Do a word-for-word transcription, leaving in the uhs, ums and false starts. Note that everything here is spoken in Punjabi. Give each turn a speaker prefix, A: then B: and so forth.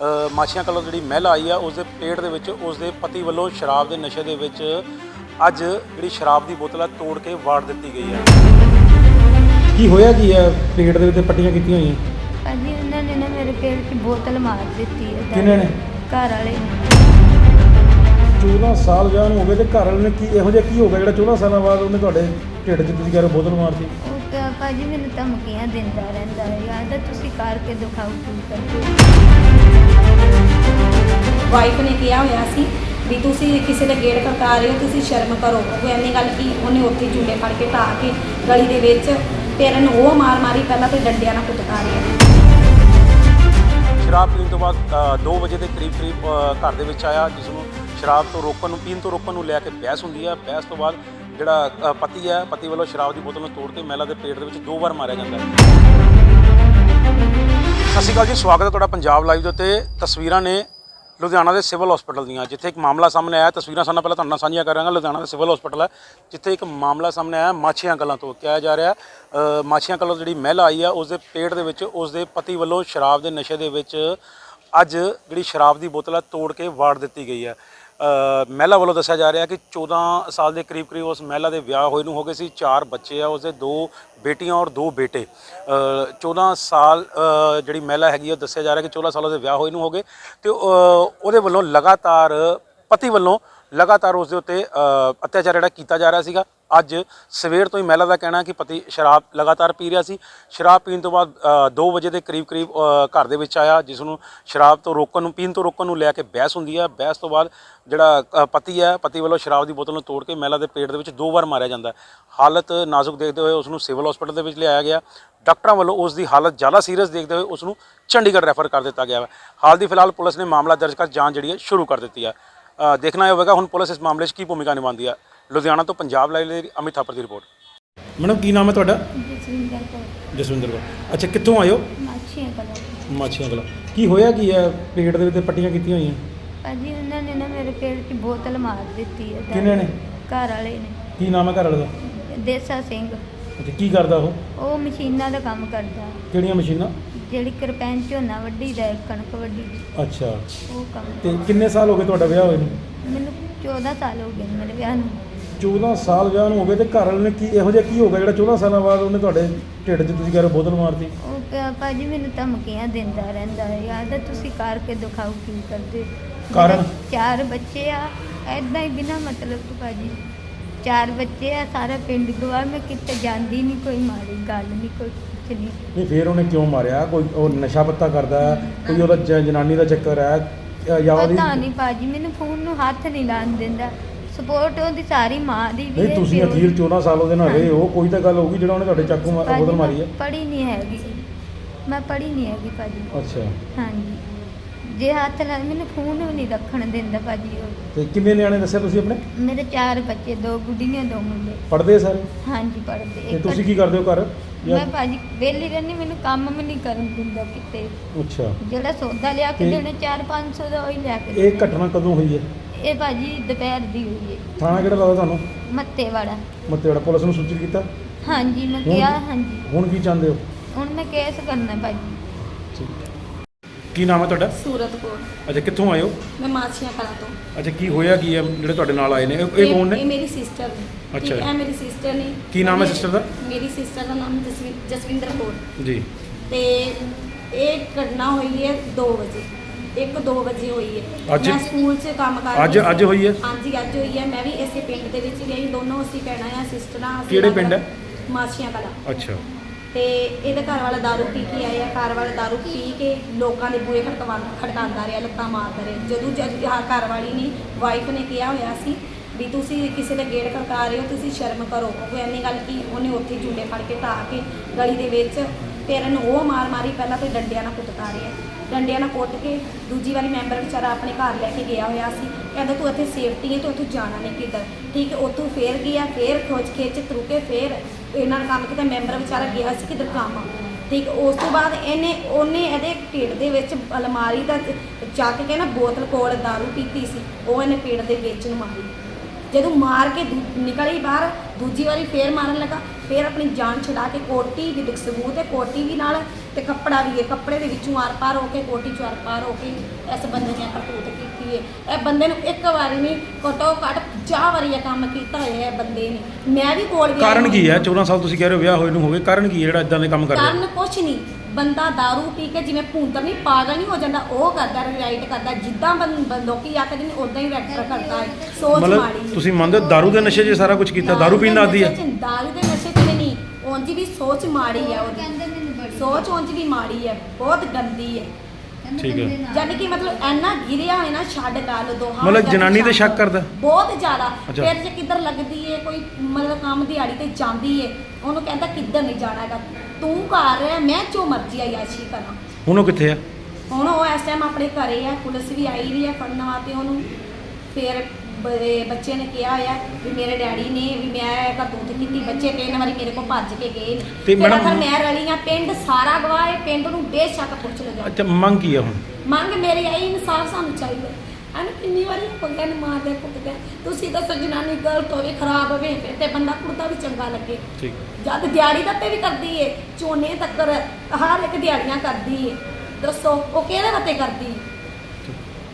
A: ਮਾਛੀਆਂ ਕਲੋਂ ਜਿਹੜੀ ਮਹਿਲਾ ਆਈ ਆ ਉਸ ਦੇ ਪੇਟ ਦੇ ਵਿੱਚ ਉਸ ਦੇ ਪਤੀ ਵੱਲੋਂ ਸ਼ਰਾਬ ਦੇ ਨਸ਼ੇ ਦੇ ਵਿੱਚ ਅੱਜ ਜਿਹੜੀ ਸ਼ਰਾਬ ਦੀ ਬੋਤਲ ਆ ਤੋੜ ਕੇ ਵਾੜ ਦਿੱਤੀ ਗਈ ਹੈ।
B: ਕੀ ਹੋਇਆ ਕੀ ਹੈ? ਪੇਟ ਦੇ ਵਿੱਚ ਪੱਟੀਆਂ ਕੀਤੀਆਂ ਹੋਈਆਂ।
C: ਭਾਜੀ ਉਹਨਾਂ ਨੇ ਨਾ ਮੇਰੇ ਪੇਟ 'ਚ ਬੋਤਲ ਮਾਰ ਦਿੱਤੀ ਹੈ।
B: ਕਿਹਨੇ ਨੇ?
C: ਘਰ ਵਾਲੇ ਨੇ।
B: ਚੌਦਾਂ ਸਾਲ ਵਿਆਹ ਨੂੰ ਹੋ ਗਏ ਤੇ ਘਰ ਵਾਲੇ ਨੇ ਕੀ ਇਹੋ ਜਿਹਾ ਕੀ ਹੋ ਗਿਆ ਜਿਹੜਾ ਚੌਦਾਂ ਸਾਲਾਂ ਬਾਅਦ ਉਹਨੇ ਤੁਹਾਡੇ ਢਿੱਡ 'ਚ ਤੁਸੀਂ ਕਹਿ ਰਹੇ ਬੋਤਲ ਮਾਰਤੀ?
C: ਉਹ ਤਾਂ ਭਾਜੀ ਮੈਨੂੰ ਧਮਕੀਆਂ ਦਿੰਦਾ ਰਹਿੰਦਾ ਹੈ, ਯਾਦ ਹੈ ਤੁਸੀਂ ਕਰਕੇ ਦਿਖਾਓ ਕੀ ਕਰਦੇ।
D: ਵਾਈਫ ਨੇ ਕਿਹਾ ਹੋਇਆ ਸੀ ਵੀ ਤੁਸੀਂ ਕਿਸੇ ਦੇ ਗੇੜ ਖੜਕਾ ਰਹੇ ਹੋ, ਤੁਸੀਂ ਸ਼ਰਮ ਕਰੋ। ਉਹ ਐਨੀ ਗੱਲ ਕੀ ਉਹਨੇ ਉੱਥੇ ਝੂਲੇ ਫੜ ਕੇ ਢਾ ਕੇ ਗਲੀ ਦੇ ਵਿੱਚ ਫਿਰ ਇਹਨੂੰ ਉਹ ਮਾਰ ਮਾਰੀ, ਪਹਿਲਾਂ ਤੇ ਡੰਡਿਆਂ ਨਾਲ ਕੁੱਟਕਾ ਰਹੀ।
A: ਸ਼ਰਾਬ ਪੀਣ ਤੋਂ ਬਾਅਦ ਦੋ ਵਜੇ ਦੇ ਕਰੀਬ ਕਰੀਬ ਘਰ ਦੇ ਵਿੱਚ ਆਇਆ, ਜਿਸ ਨੂੰ ਸ਼ਰਾਬ ਤੋਂ ਰੋਕਣ ਨੂੰ ਪੀਣ ਤੋਂ ਰੋਕਣ ਨੂੰ ਲੈ ਕੇ ਬਹਿਸ ਹੁੰਦੀ ਹੈ। ਬਹਿਸ ਤੋਂ ਬਾਅਦ ਜਿਹੜਾ ਪਤੀ ਹੈ, ਪਤੀ ਵੱਲੋਂ ਸ਼ਰਾਬ ਦੀ ਬੋਤਲ ਨੂੰ ਤੋੜ ਕੇ ਮਹਿਲਾ ਦੇ ਪੇਟ ਦੇ ਵਿੱਚ ਦੋ ਵਾਰ ਮਾਰਿਆ ਜਾਂਦਾ ਹੈ। ਸਤਿ ਸ਼੍ਰੀ ਅਕਾਲ ਜੀ, ਸਵਾਗਤ ਹੈ ਤੁਹਾਡਾ ਪੰਜਾਬ ਲਾਈਵ ਦੇ ਉੱਤੇ। ਤਸਵੀਰਾਂ ਨੇ ਲੁਧਿਆਣਾ ਦੇ ਸਿਵਲ ਹਸਪੀਟਲ ਦੀਆਂ, ਜਿੱਥੇ ਇੱਕ ਮਾਮਲਾ ਸਾਹਮਣੇ ਆਇਆ। ਤਸਵੀਰਾਂ ਸਾਨੂੰ ਪਹਿਲਾਂ ਤੁਹਾਡੇ ਨਾਲ ਸਾਂਝੀਆਂ ਕਰਾਂਗਾ। ਲੁਧਿਆਣਾ ਦਾ ਸਿਵਲ ਹਸਪੀਟਲ ਹੈ, ਜਿੱਥੇ ਇੱਕ ਮਾਮਲਾ ਸਾਹਮਣੇ ਆਇਆ ਮਾਛੀਆਂ ਕਲਾਂ ਤੋਂ। ਕਿਹਾ ਜਾ ਰਿਹਾ ਮਾਛੀਆਂ ਕਲਾਂ ਜਿਹੜੀ ਮਹਿਲਾ ਆਈ ਆ ਉਸ ਦੇ ਪੇਟ ਦੇ ਵਿੱਚ ਉਸ ਦੇ ਪਤੀ ਵੱਲੋਂ ਸ਼ਰਾਬ ਦੇ ਨਸ਼ੇ ਦੇ ਵਿੱਚ ਅੱਜ ਜਿਹੜੀ ਸ਼ਰਾਬ ਦੀ ਬੋਤਲ ਆ ਤੋੜ ਕੇ ਵਾੜ ਦਿੱਤੀ ਗਈ ਹੈ। ਮਹਿਲਾ ਵੱਲੋਂ ਦੱਸਿਆ ਜਾ ਰਿਹਾ ਕਿ ਚੌਦਾਂ ਸਾਲ ਦੇ ਕਰੀਬ ਕਰੀਬ ਉਸ ਮਹਿਲਾ ਦੇ ਵਿਆਹ ਹੋਏ ਨੂੰ ਹੋ ਗਏ ਸੀ। ਚਾਰ ਬੱਚੇ ਆ ਉਸਦੇ, ਦੋ ਬੇਟੀਆਂ ਔਰ ਦੋ ਬੇਟੇ। ਚੌਦਾਂ ਸਾਲ ਜਿਹੜੀ ਮਹਿਲਾ ਹੈਗੀ ਉਹ ਦੱਸਿਆ ਜਾ ਰਿਹਾ ਕਿ ਚੌਦਾਂ ਸਾਲ ਉਹਦੇ ਵਿਆਹ ਹੋਏ ਨੂੰ ਹੋ ਗਏ ਅਤੇ ਉਹਦੇ ਵੱਲੋਂ ਲਗਾਤਾਰ ਪਤੀ ਵੱਲੋਂ ਲਗਾਤਾਰ ਉਸ ਦੇ ਉੱਤੇ ਅਤਿਆਚਾਰ ਜਿਹੜਾ ਕੀਤਾ ਜਾ ਰਿਹਾ ਸੀਗਾ। ਅੱਜ ਸਵੇਰ ਤੋਂ ਹੀ ਮਹਿਲਾ ਦਾ ਕਹਿਣਾ ਕਿ ਪਤੀ ਸ਼ਰਾਬ ਲਗਾਤਾਰ ਪੀ ਰਿਹਾ ਸੀ। ਸ਼ਰਾਬ ਪੀਣ ਤੋਂ ਬਾਅਦ ਦੋ ਵਜੇ ਦੇ ਕਰੀਬ ਕਰੀਬ ਘਰ ਦੇ ਵਿੱਚ ਆਇਆ, ਜਿਸ ਨੂੰ ਸ਼ਰਾਬ ਤੋਂ ਰੋਕਣ ਨੂੰ ਪੀਣ ਤੋਂ ਰੋਕਣ ਨੂੰ ਲੈ ਕੇ ਬਹਿਸ ਹੁੰਦੀ ਹੈ। ਬਹਿਸ ਤੋਂ ਬਾਅਦ ਜਿਹੜਾ ਪਤੀ ਹੈ, ਪਤੀ ਵੱਲੋਂ ਸ਼ਰਾਬ ਦੀ ਬੋਤਲ ਨੂੰ ਤੋੜ ਕੇ ਮਹਿਲਾ ਦੇ ਪੇਟ ਦੇ ਵਿੱਚ ਦੋ ਵਾਰ ਮਾਰਿਆ ਜਾਂਦਾ। ਹਾਲਤ ਨਾਜ਼ੁਕ ਦੇਖਦੇ ਹੋਏ ਉਸ ਨੂੰ ਸਿਵਲ ਹਸਪੀਟਲ ਦੇ ਵਿੱਚ ਲਿਆਇਆ ਗਿਆ। ਡਾਕਟਰਾਂ ਵੱਲੋਂ ਉਸ ਦੀ ਹਾਲਤ ਜ਼ਿਆਦਾ ਸੀਰੀਅਸ ਦੇਖਦੇ ਹੋਏ ਉਸ ਨੂੰ ਚੰਡੀਗੜ੍ਹ ਰੈਫਰ ਕਰ ਦਿੱਤਾ ਗਿਆ ਹੈ। ਹਾਲ ਦੀ ਫਿਲਹਾਲ ਪੁਲਿਸ ਨੇ ਮਾਮਲਾ ਦਰਜ ਕਰ ਜਾਂਚ ਜਿਹੜੀ ਹੈ ਸ਼ੁਰੂ ਕਰ ਦਿੱਤੀ ਹੈ। ਦੇਖਣਾ ਇਹ ਹੋਵੇਗਾ ਹੁਣ ਪੁਲਿਸ ਇਸ ਮਾਮਲੇ 'ਚ ਕੀ ਭੂਮਿਕਾ ਨਿਭਾਉਂਦੀ ਹੈ। ਲੁਧਿਆਣਾ ਤੋਂ ਪੰਜਾਬ ਲਾਈਵ ਲਈ ਅਮਿਤ ਥਾਪਰ ਦੀ ਰਿਪੋਰਟ।
B: ਮੈਡਮ ਕੀ ਨਾਮ ਹੈ ਤੁਹਾਡਾ?
C: ਜਸਵਿੰਦਰ ਕੌਰ।
B: ਜਸਵਿੰਦਰ ਕੌਰ। ਅੱਛਾ, ਕਿੱਥੋਂ ਆਇਓ?
C: ਮਾਛੀਆਂ ਕਲਾਂ।
B: ਮਾਛੀਆਂ ਕਲਾਂ। ਕੀ ਹੋਇਆ ਕੀ ਹੈ? ਪੇਟ ਦੇ ਵਿੱਚ ਪੱਟੀਆਂ ਕੀਤੀਆਂ ਹੋਈਆਂ।
C: ਭਾਜੀ ਉਹਨਾਂ ਨੇ ਨਾ ਮੇਰੇ ਪੇਟ 'ਚ ਬੋਤਲ ਮਾਰ ਦਿੱਤੀ ਹੈ।
B: ਕਿਹਨੇ ਨੇ?
C: ਘਰ ਵਾਲੇ ਨੇ।
B: ਕੀ ਨਾਮ ਹੈ ਘਰ ਵਾਲੇ ਦਾ?
C: ਦੇਸਾ ਸਿੰਘ।
B: ਅੱਛਾ, ਕੀ ਕਰਦਾ ਉਹ?
C: ਉਹ ਮਸ਼ੀਨਾਂ ਦਾ ਕੰਮ ਕਰਦਾ,
B: ਕਿਹੜੀਆਂ ਮਸ਼ੀਨਾਂ?
C: ਜਿਹੜੀ ਕਿਰਪੈਨ ਝੋਨਾ ਵੱਢੀ ਦਾ, ਕਣਕ ਵੱਢੀ ਦੀ,
B: ਅੱਛਾ,
C: ਉਹ ਕੰਮ।
B: ਤੇ ਕਿੰਨੇ ਸਾਲ ਹੋ ਗਏ ਤੁਹਾਡਾ ਵਿਆਹ ਹੋਏ ਨੂੰ?
C: ਮੈਨੂੰ ਚੌਦਾਂ ਸਾਲ ਹੋ ਗਏ ਨੇ ਮੇਰੇ ਵਿਆਹ ਨੂੰ।
B: ਚੌਦਾਂ ਸਾਲ ਵਿਆਹ ਨੂੰ ਹੋ ਗਏ ਤੇ ਘਰ ਵਾਲੇ ਨੇ ਕੀ ਇਹੋ ਜਿਹਾ ਕੀ ਹੋ ਗਿਆ ਜਿਹੜਾ ਚੌਦਾਂ ਸਾਲਾਂ ਬਾਅਦ ਉਹਨੇ ਤੁਹਾਡੇ ਢਿੱਡ 'ਚ ਤੁਸੀਂ ਕਹਿ ਰਹੇ ਬੋਤਲ ਮਾਰਤੀ?
C: ਉਹ ਪ- ਭਾਜੀ ਮੈਨੂੰ ਧਮਕੀਆਂ ਦਿੰਦਾ ਰਹਿੰਦਾ ਹੈ, ਯਾਦ ਹੈ ਤੁਸੀਂ ਕਰਕੇ ਦਿਖਾਓ ਕੀ ਕਰਦੇ।
B: ਕਾਰਨ?
C: ਮੇਰੇ ਚਾਰ ਬੱਚੇ ਆ, ਐਦਾਂ ਹੀ ਬਿਨਾਂ ਮਤਲਬ ਤੋਂ ਭਾਜੀ। ਚਾਰ ਬੱਚੇ ਆ, ਸਾਰਾ ਪਿੰਡ ਗਵਾ, ਮੈਂ ਕਿਤੇ ਜਾਂਦੀ ਨਹੀਂ, ਕੋਈ ਮਾੜੀ ਗੱਲ ਨਹੀਂ, ਕੋਈ ਕੁਛ ਨਹੀਂ।
B: ਨਹੀਂ, ਫਿਰ ਉਹਨੇ ਕਿਉਂ ਮਾਰਿਆ? ਕੋਈ ਉਹ ਨਸ਼ਾ ਪੱਤਾ ਕਰਦਾ ਹੈ, ਕੋਈ ਉਹਦਾ ਜ- ਜਨਾਨੀ ਦਾ ਚੱਕਰ ਹੈ ਜਾਂ ਉਹਦੀ?
C: ਪਤਾ ਨਹੀਂ ਭਾਜੀ, ਮੈਨੂੰ ਫੋਨ ਨੂੰ ਹੱਥ ਨਹੀਂ ਲਾਉਣ ਦਿੰਦਾ। ਸਪੋਰਟ ਉਹਦੀ ਸਾਰੀ ਮਾਂ ਦੀ ਵੀ
B: ਨਹੀਂ,
C: ਹੈ,
B: ਤੁਸੀਂ
C: ਪਿਓ ਦੀ।
B: ਅਖੀਰ ਚੌਦਾਂ ਸਾਲ ਉਹਦੇ ਨਾਲ ਰਹੇ ਹੋ, ਕੋਈ ਤਾਂ ਗੱਲ ਹੋਊਗੀ ਜਿਹੜਾ ਉਹਨੇ ਤੁਹਾਡੇ ਚਾਕੂ ਮਾਰ ਬੋਤਲ ਮਾਰੀ ਹੈ।
C: ਪੜ੍ਹੀ ਨਹੀਂ ਹੈਗੀ, ਮੈਂ ਪੜ੍ਹੀ ਨਹੀਂ ਹੈਗੀ ਭਾਜੀ।
B: ਅੱਛਾ,
C: ਹਾਂਜੀ, ਜੇ ਹੱਥ ਲਾ ਮੈਨੂੰ ਫੋਨ ਵੀ ਨਹੀਂ ਰੱਖਣ ਦਿੰਦਾ ਭਾਜੀ ਉਹ।
B: ਤੇ ਕਿੰਨੇ ਨਿਆਣੇ ਦੱਸਿਆ ਤੁਸੀਂ ਆਪਣੇ?
C: ਮੇਰੇ ਚਾਰ ਬੱਚੇ, ਦੋ ਗੁੱਡੀਆਂ ਦੋ ਮੁੰਡੇ।
B: ਪੜ੍ਹਦੇ ਸਾਰੇ?
C: ਹਾਂਜੀ ਪੜ੍ਹਦੇ।
B: ਤੇ ਤੁਸੀਂ ਕੀ ਕਰਦੇ ਹੋ ਘਰ? ਜਾਂ-
C: ਮੈਂ ਭਾਜੀ ਵਿਹਲੀ ਰਹਿੰਦੀ, ਮੈਨੂੰ ਕੰਮ ਵੀ ਨਹੀਂ ਕਰਨ ਦਿੰਦਾ ਕਿਤੇ।
B: ਅੱਛਾ,
C: ਜਿਹੜਾ ਸੌਦਾ ਲਿਆ ਕੇ
B: ਤੇ-
C: ਦੇਣਾ ਚਾਰ ਪੰਜ ਸੌ ਦਾ, ਉਹੀ ਲਿਆ ਕੇ
B: ਇਹ
C: ਦੇਣਾ।
B: ਘਟਨਾ ਕਦੋਂ ਹੋਈ ਹੈ?
C: ਇਹ ਭਾਜੀ ਦੁਪਹਿਰ ਦੀ ਹੋਈ ਹੈ।
B: ਥਾਣਾ ਕਿਹੜਾ ਲੱਗਦਾ ਤੁਹਾਨੂੰ?
C: ਮੱਤੇ ਵਾਲਾ।
B: ਮਤੇੜਾ। ਪੁਲਿਸ ਨੂੰ ਸੂਚਿਤ ਕੀਤਾ?
C: ਹਾਂਜੀ ਮੈਂ
B: ਹੁਣ-
C: ਕਿਹਾ, ਹਾਂਜੀ
B: ਹੁਣ ਕੀ ਚਾਹੁੰਦੇ ਹੋ?
C: ਹੁਣ ਮੈਂ ਕੇਸ ਕਰਨਾ ਭਾਜੀ।
B: ਕੀ ਨਾਮ ਹੈ ਤੁਹਾਡਾ?
D: ਸੂਰਤ ਕੋਲ।
B: ਅੱਛਾ, ਕਿੱਥੋਂ ਆਏ ਹੋ?
D: ਮੈਂ ਮਾਛੀਆਂ ਕਲਾਂ ਤੋਂ।
B: ਅੱਛਾ, ਕੀ ਹੋਇਆ ਕੀ ਹੈ ਜਿਹੜੇ ਤੁਹਾਡੇ ਨਾਲ ਆਏ ਨੇ? ਇਹ ਇਹ ਕੌਣ
D: ਇਹ
B: ਨੇ?
D: ਮੇਰੀ ਸਿਸਟਰ ਨੇ।
B: ਅੱਛਾ।
D: ਠੀਕ ਹੈ, ਮੇਰੀ ਸਿਸਟਰ ਨੇ।
B: ਕੀ ਨਾਮ ਹੈ
D: ਮੇਰੀ-
B: sister ਦਾ?
D: ਮੇਰੀ ਸਿਸਟਰ ਦਾ ਨਾਮ ਜਸਵਿੰ- ਜਸਵਿੰਦਰ ਕੌਰ।
B: ਜੀ।
D: ਤੇ ਇਹ ਘਟਨਾ ਹੋਈ ਹੈ ਦੋ ਵਜੇ, ਇੱਕ ਦੋ ਵਜੇ ਹੋਈ ਹੈ।
B: ਅੱਜ?
D: ਮੈਂ ਸਕੂਲ 'ਚ ਕੰਮ ਕਰ ਰਹੀ
B: ਅੱਜ
D: ਸੀ।
B: ਅੱਜ ਹੋਈ ਹੈ?
D: ਹਾਂਜੀ ਅੱਜ ਹੋਈ ਹੈ। ਮੈਂ ਵੀ ਇਸੇ ਪਿੰਡ ਦੇ ਵਿੱਚ ਗਈ, ਦੋਨੋਂ ਅਸੀਂ ਭੈਣਾਂ ਆ, ਸਿਸਟਰਾਂ। ਅਸੀਂ
B: ਕਿਹੜੇ
D: ਅਲੱਗ-
B: ਪਿੰਡ ਹੈ?
D: ਮਾਛੀਆਂ ਕਲਾਂ।
B: ਅੱਛਾ,
D: ਤੇ ਇਹਦੇ ਘਰ ਵਾਲਾ ਦਾਰੂ ਪੀ ਕੇ ਆਇਆ, ਘਰ ਵਾਲਾ ਦਾਰੂ ਪੀ ਕੇ ਲੋਕਾਂ ਦੇ ਬੂਹੇ ਖੜਕਵਾ ਖੜਕਾਉਂਦਾ ਰਿਹਾ, ਲੱਤਾਂ ਮਾਰਦਾ ਰਿਹਾ। ਜਦੋਂ ਜਦ ਆਹ ਘਰ ਵਾਲੀ ਨੇ, ਵਾਈਫ ਨੇ ਕਿਹਾ ਹੋਇਆ ਸੀ ਵੀ ਤੁਸੀਂ ਕਿਸੇ ਦੇ ਗੇੜ ਖੜਕਾ ਰਹੇ ਹੋ, ਤੁਸੀਂ ਸ਼ਰਮ ਕਰੋ। ਉਹ ਐਨੀ ਗੱਲ ਕੀ ਉਹਨੇ ਉੱਥੇ ਝੂਲੇ ਫੜ ਕੇ ਢਾ ਕੇ ਗਲੀ ਦੇ ਵਿੱਚ ਫਿਰ ਇਹਨੂੰ ਉਹ ਮਾਰ ਮਾਰੀ, ਪਹਿਲਾਂ ਤੇ ਡੰਡਿਆਂ ਨਾਲ ਕੁੱਟਕਾ ਰਿਹਾ। ਡੰਡਿਆਂ ਨਾਲ ਕੁੱਟ ਕੇ ਦੂਜੀ ਵਾਰੀ ਮੈਂਬਰ ਵਿਚਾਰਾ ਆਪਣੇ ਘਰ ਲੈ ਕੇ ਗਿਆ ਹੋਇਆ ਸੀ। ਕਹਿੰਦਾ ਤੂੰ ਇੱਥੇ ਸੇਫਟੀ ਹੈ, ਤੂੰ ਇੱਥੋਂ ਜਾਣਾ ਨਹੀਂ ਕਿੱਧਰ। ਠੀਕ ਹੈ, ਉੱਥੋਂ ਫੇਰ ਗਿਆ, ਫੇਰ ਖੋਜ ਖਿੱਚ ਤਰੂ ਕੇ ਫੇਰ ਇਹਨਾਂ ਨੇ ਕੰਮ ਕੀਤਾ। ਮੈਂਬਰ ਵਿਚਾਰਾ ਗਿਆ ਸੀ ਕਿੱਧਰ ਕੰਮ। ਠੀਕ, ਉਸ ਤੋਂ ਬਾਅਦ ਇਹਨੇ ਉਹਨੇ ਇਹਦੇ ਢਿੱਡ ਦੇ ਵਿੱਚ ਅਲਮਾਰੀ ਦਾ ਚੱਕ ਕੇ ਨਾ ਬੋਤਲ ਕੋਲ ਦਾਰੂ ਪੀਤੀ ਸੀ, ਉਹ ਇਹਨੇ ਪੇਟ ਦੇ ਵਿੱਚ ਨੂੰ ਮਾਰੀ। ਜਦੋਂ ਮਾਰ ਕੇ ਨਿਕਲੀ ਬਾਹਰ, ਦੂਜੀ ਵਾਰੀ ਫੇਰ ਮਾਰਨ ਲੱਗਾ, ਫੇਰ ਆਪਣੀ ਜਾਨ ਛੁਡਾ ਕੇ ਕੋਟੀ ਵੀ ਸਬੂਤ ਹੈ, ਕੋਟੀ ਵੀ ਨਾਲ ਤੇ ਕੱਪੜਾ ਵੀ ਹੈ, ਕੱਪੜੇ ਦੇ ਵਿੱਚੋਂ ਆਰ ਪਾਰ ਹੋ ਕੇ ਕੋਟੀ ਚੋਂ ਆਰ ਪਾਰ ਹੋ ਕੇ ਇਸ ਬੰਦੇ ਨੇ ਕਰਤੂਤ ਕੀਤੀ ਹੈ। ਇਹ ਬੰਦੇ ਨੂੰ ਇੱਕ ਵਾਰੀ ਨਹੀਂ ਘੱਟੋ ਘੱਟ ਪੰਜਾਹ ਵਾਰੀ ਇਹ ਕੰਮ ਕੀਤਾ ਹੋਇਆ ਹੈ ਬੰਦੇ ਨੇ। ਮੈਂ ਵੀ ਕੋਲ ਗਿਆ।
B: ਕਾਰਨ ਕੀ ਹੈ ਚੌਦਾਂ ਸਾਲ ਤੁਸੀਂ ਕਹਿ ਰਹੇ ਹੋ ਵਿਆਹ ਹੋਏ ਨੂੰ ਹੋ ਗਏ, ਕਾਰਨ ਕੀ ਹੈ ਜਿਹੜਾ ਇਦਾਂ ਦੇ ਕੰਮ ਕਰਦਾ?
D: ਕਾਰਨ ਕੁਛ ਨਹੀਂ, ਬੰਦਾ दारू ਪੀ ਕੇ ਜਿਵੇਂ ਭੂੰਤਰ ਨਹੀਂ ਪਾਗਲ ਨਹੀਂ ਹੋ ਜਾਂਦਾ, ਉਹ ਕਰਦਾ ਰਾਈਟ ਕਰਦਾ, ਜਿੱਦਾਂ ਬੰ- ਲੋਕੀ ਆਖਦੇ ਨੇ ਉਦਾਂ ਹੀ ਰੈਕਟਰ ਕਰਦਾ ਹੈ। ਸੋਚ
B: ਮਤਲਬ
D: ਮਾੜੀ
B: ਤੁਸੀਂ ਮੰਨਦੇ ਹੋ ਦਾਰੂ ਦੇ ਨਸ਼ੇ 'ਚ ਸਾਰਾ ਕੁਝ ਕੀਤਾ? ਦਾਰੂ ਪੀਣ ਦਾ ਆਦੀ ਹੈ?
D: ਦਾਰੂ ਦੇ ਨਸ਼ੇ 'ਚ ਵੀ ਨਹੀਂ, ਉਂਝ ਵੀ ਸੋਚ ਮਾੜੀ ਹੈ ਉਹਦੀ,
C: ਕਹਿੰਦੇ ਮੈਨੂੰ ਬੜੀ
D: ਸੋਚ ਉਂਝ ਵੀ ਮਾੜੀ ਹੈ, ਬਹੁਤ ਗੰਦੀ ਹੈ।
B: ਠੀਕ ਹੈ।
D: ਯਾਨੀ ਕਿ ਮਤਲਬ ਇੰਨਾ ਗਿਰਿਆ ਹੋਇਆ ਨਾ, ਛੱਡ ਗੱਲ ਦੋਹਾਂ
B: ਮਤਲਬ
D: ਦਾ
B: ਜਨਾਨੀ ਤੇ
D: ਛੱਡ।
B: ਸ਼ੱਕ ਕਰਦਾ?
D: ਬਹੁਤ ਜ਼ਿਆਦਾ।
B: ਅੱਛਾ।
D: ਫਿਰ ਜੇ ਕਿੱਧਰ ਲੱਗਦੀ ਏ ਕੋਈ ਮਤਲਬ ਕੰਮ ਦਿਹਾੜੀ ਤੇ ਜਾਂਦੀ ਏ, ਉਹਨੂੰ ਕਹਿੰਦਾ ਕਿੱਧਰ ਨਹੀਂ ਜਾਣਾ ਹੈਗਾ, ਤੂੰ ਘਰ ਰਹਿ, ਮੈਂ ਜੋ ਮਰਜ਼ੀ ਆਯਾਸ਼ੀ ਕਰਾਂ।
B: ਹੁਣ ਉਹ ਕਿੱਥੇ ਆ?
D: ਹੁਣ ਉਹ ਇਸ ਟਾਈਮ ਆਪਣੇ ਘਰੇ ਆ, ਪੁਲਿਸ ਵੀ ਆਈ ਵੀ ਆ ਫੜਨ ਵਾਸਤੇ ਉਹਨੂੰ। ਫਿਰ ਬ- ਬੱਚੇ ਨੇ ਕਿਹਾ ਆ ਵੀ ਮੇਰੇ ਡੈਡੀ ਨੇ ਵੀ ਮੈਂ ਕਰਤੂਤ ਕੀਤੀ, ਬੱਚੇ ਤਿੰਨ ਵਾਰੀ ਮੇਰੇ ਕੋਲ ਭੱਜ ਕੇ ਗਏ ਨੇ।
B: ਤੇ
D: ਫਿਰ
B: ਮੈਡਮ-
D: ਅਗਰ ਮੈਂ ਰਲੀ ਆ, ਪਿੰਡ ਸਾਰਾ ਗਵਾਹ ਹੈ, ਪਿੰਡ ਨੂੰ ਬੇਸ਼ੱਕ ਪੁੱਛ ਲਓ ਜਾ ਕੇ।
B: ਅੱਛਾ, ਮੰਗ ਕੀ ਆ ਹੁਣ?
D: ਮੰਗ ਮੇਰੀ ਆਈ ਇਨਸਾਫ ਸਾਨੂੰ ਚਾਹੀਦਾ। ਇਹਨੂੰ ਕਿੰਨੀ ਵਾਰੀ ਪੱਗਾਂ ਨੂੰ ਮਾਰਦੇ ਕੁੱਟਦੇ, ਤੁਸੀਂ ਦੱਸੋ ਜਨਾਨੀ ਗਲਤ ਹੋਵੇ ਖਰਾਬ ਹੋਵੇ ਫਿਰ ਤੇ ਬੰਦਾ ਕੁੜਤਾ ਵੀ ਚੰਗਾ ਲੱਗੇ।
B: ਠੀਕ।
D: ਜਦ ਦਿਹਾੜੀ ਦੱਤੇ ਵੀ ਕਰਦੀ ਏ, ਝੋਨੇ ਤੱਕਰ ਹਰ ਇੱਕ ਦਿਹਾੜੀਆਂ ਕਰਦੀ ਏ, ਦੱਸੋ ਉਹ ਕਿਹਦੇ ਵਾਸਤੇ ਕਰਦੀ ਏ?